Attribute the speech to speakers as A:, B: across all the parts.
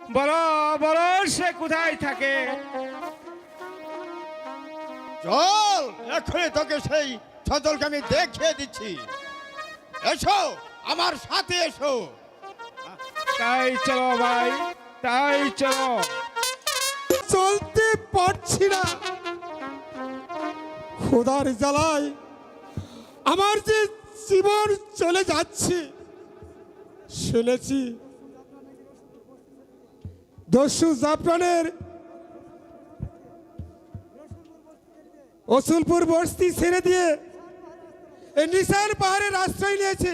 A: বলো বলো সে কোথায় থাকে?
B: চল, এখনই তোকে সেই ছজলকে আমি দেখিয়ে দিচ্ছি। এসো, আমার সাথে এসো।
A: তাই চলো ভাই, তাই চলো।
C: চলতে পারছি না, খোদার জ্বালায় আমার যে জীবন চলে যাচ্ছে। শুনেছি দস্যু জাফরানের রসুলপুর বস্তি ছেড়ে দিয়ে এই নিশান পাহাড়ের আশ্রয় নিয়েছে।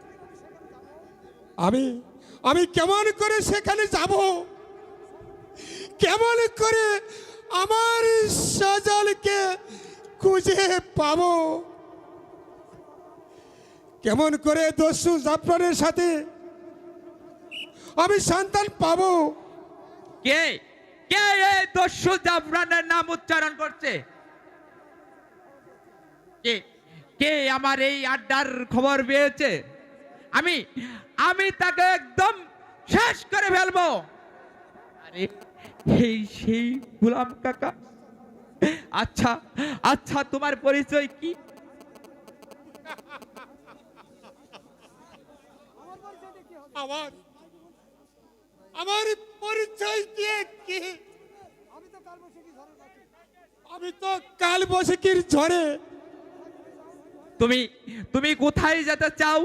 C: আমি কেমন করে সেখানে যাব? কেমন করে আমার সজলকে খুঁজে পাবো? কেমন করে দস্যু জাফরানের সাথে আমি সন্তান পাবো?
D: কে কে এই দস্যু জাফরানের নাম উচ্চারণ করছে? কে কে আমার এই আড্ডার খবর পেয়েছে? আমি আমি তাকে একদম শেষ করে ফেলবো। আরে এই সেই গোলাম কাকা। আচ্ছা আচ্ছা, তোমার পরিচয় কি?
C: আমার পরিচয় দিয়ে কি? আমি তো কাল বৈশাখীর ঝড়ে।
D: তুমি তুমি কোথায় যেতে চাও?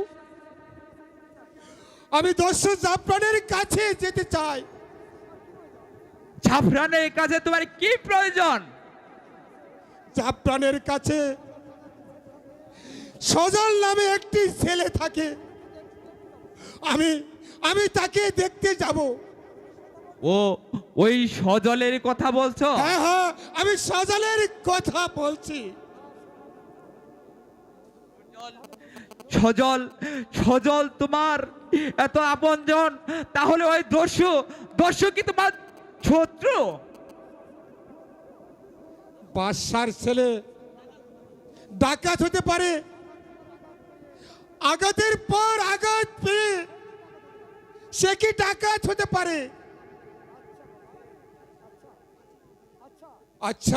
C: আমি দস্যু জাফরানের কাছে যেতে চাই।
D: জাফরানের কাছে তোমার কি প্রয়োজন?
C: জাফরানের কাছে সজল নামে একটি ছেলে থাকে। আমি তাকে দেখতে যাব।
D: ও ওই সজলের কথা বলছো?
C: হ্যাঁ হ্যাঁ, আমি সজলের কথা বলছি।
D: সজল সজল তোমার এত আপনজন, তাহলে ওই দস্যু কি তোমার শত্রু?
C: বাদশার ছেলে ডাকাত হতে পারে, আঘাতের পর আঘাত পেয়ে সে কি ডাকাত হতে পারে? আচ্ছা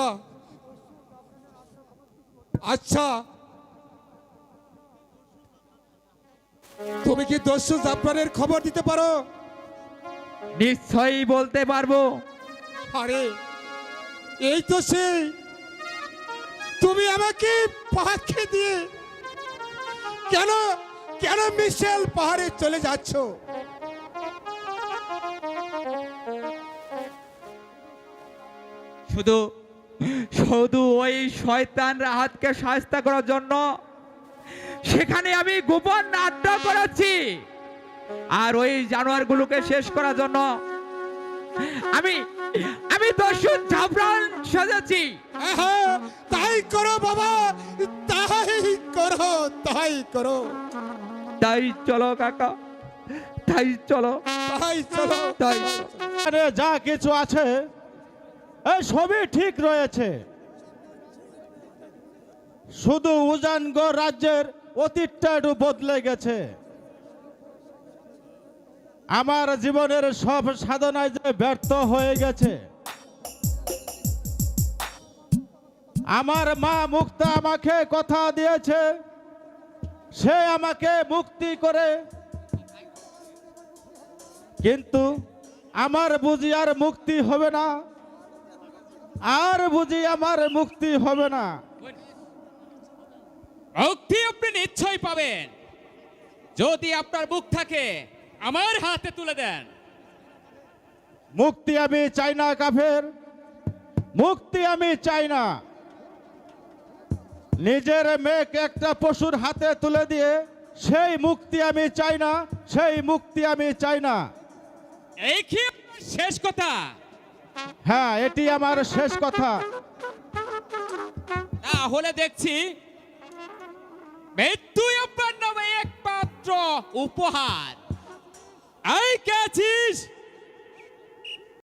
C: আচ্ছা, তুমি কি দস্যু জাফরানের খবর দিতে পারো?
D: নিশ্চয়ই বলতে পারবো।
C: আরে এই তো সেই, তুমি আমাকে পাখি দিয়ে কেন কেন মিশেল পাহাড়ে চলে যাচ্ছ?
D: শুধু শুধু ওই শয়তান রাহাতকে সাহায্য করার জন্য সেখানে আমি গোপন আড্ডা করেছি, আর ওই জানোয়ারগুলোকে শেষ করার জন্য আমি আমি দস্যু জাফরান সাজাচ্ছি।
C: হ্যাঁ, তাই করো বাবা, তাই করো, তাই করো।
D: তাই চলো কাকা, তাই চলো,
C: তাই চলো,
D: তাই
E: আরে যা কিছু আছে এই সবই ঠিক রয়েছে, শুধু উজানগড় রাজ্যের অতীতটা একটু বদলে গেছে। আমার জীবনের সব সাধনায় যে ব্যর্থ হয়ে গেছে। আমার মা মুক্তা আমাকে কথা দিয়েছে, সে আমাকে মুক্তি করে, কিন্তু আমার বুঝি আর মুক্তি হবে না, আর বুঝি আমার মুক্তি হবে না।
F: মুক্তি আপনি নিশ্চয়ই পাবেন যদি আপনার মুখ থাকে আমার হাতে তুলে দেন।
E: মুক্তি আমি চাই না কাফের, মুক্তি আমি চাই না। নিজের মেয়েকে একটা পশুর হাতে তুলে দিয়ে সেই মুক্তি আমি চাই না, সেই মুক্তি আমি চাই না।
F: এই কি আপনার শেষ কথা?
E: হ্যাঁ, এটি আমার শেষ কথা।
F: তাহলে দেখছি মৃত্যুই আপনার নামে একমাত্র উপহার। এই কে আছিস?